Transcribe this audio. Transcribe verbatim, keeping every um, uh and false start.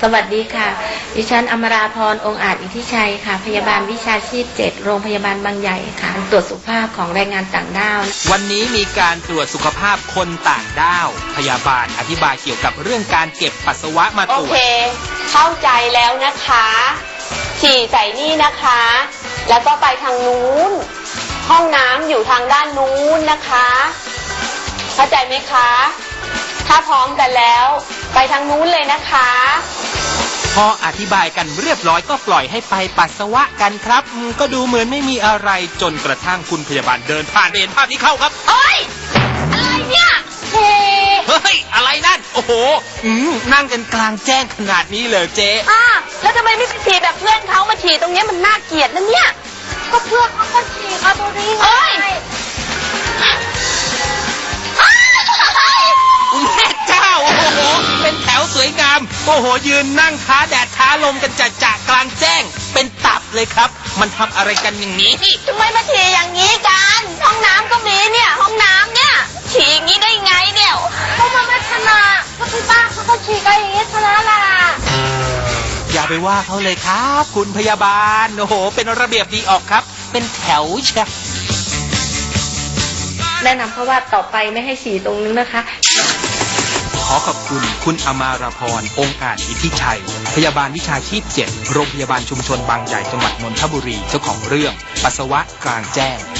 สวัสดีค่ะดิฉันอมราพรองค์อาจอิทธิชัยค่ะพยาบาลวิชาชีพเจ็ดโรงพยาบาลบางใหญ่ค่ะตรวจสุขภาพของแรงงานต่างด้าววันนี้มีการตรวจสุขภาพคนต่างด้าวพยาบาลอธิบายเกี่ยวกับเรื่องการเก็บปัสสาวะมาตรวจโอเคเข้าใจแล้วนะคะฉี่ใส่นี่นะคะแล้วก็ไปทางนู้นห้องน้ำอยู่ทางด้านนู้นนะคะเข้าใจไหมคะถ้าพร้อมกันแล้วไปทางนู้นเลยนะคะพออธิบายกันเรียบร้อยก็ปล่อยให้ไปปัสสาวะกันครับก็ดูเหมือนไม่มีอะไรจนกระทั่งคุณพยาบาลเดินผ่านเห็นภาพนี้เข้าครับเอ้ยอะไรเนี่ยเฮ้เฮ้ยอะไรนั่นโอ้โหนั่งกันกลางแจ้งขนาดนี้เลยเจ๊อ่าแล้วทำไมไม่ไปฉี่แบบเพื่อนเขามาฉี่ตรงนี้มันน่าเกลียดนะเนี่ยก็เพื่อนเขาก็ฉี่ครับตรงนี้ไงแม่เจ้าโอ้โหเป็นแถวสวยงามโอ้โหยืนนั่งท้าแดดท้าลมกันจ่าจ่ากลางแจ้งเป็นตับเลยครับมันทำอะไรกันอย่างนี้ทำไมมาฉี่อย่างนี้กันห้องน้ำก็มีเนี่ยห้องน้ำเนี่ยฉี่อย่างนี้ได้ไงเนี่ยก็มาไม่ชนะก็ที่บ้านเขาก็ฉี่กันอย่างนี้ชนะล่ะอย่าไปว่าเขาเลยครับคุณพยาบาลโอ้โหเป็นระเบียบดีออกครับเป็นแถวเชียวแนะนำเพราะว่าต่อไปไม่ให้ฉี่ตรงนี้นะคะขอขอบคุณคุณอมาราพรองค์อาจอิทธิชัยพยาบาลวิชาชีพเจ็ดโรงพยาบาลชุมชนบางใหญ่จังหวัดนนทบุรีเจ้าของเรื่องปัสสาวะกลางแจ้ง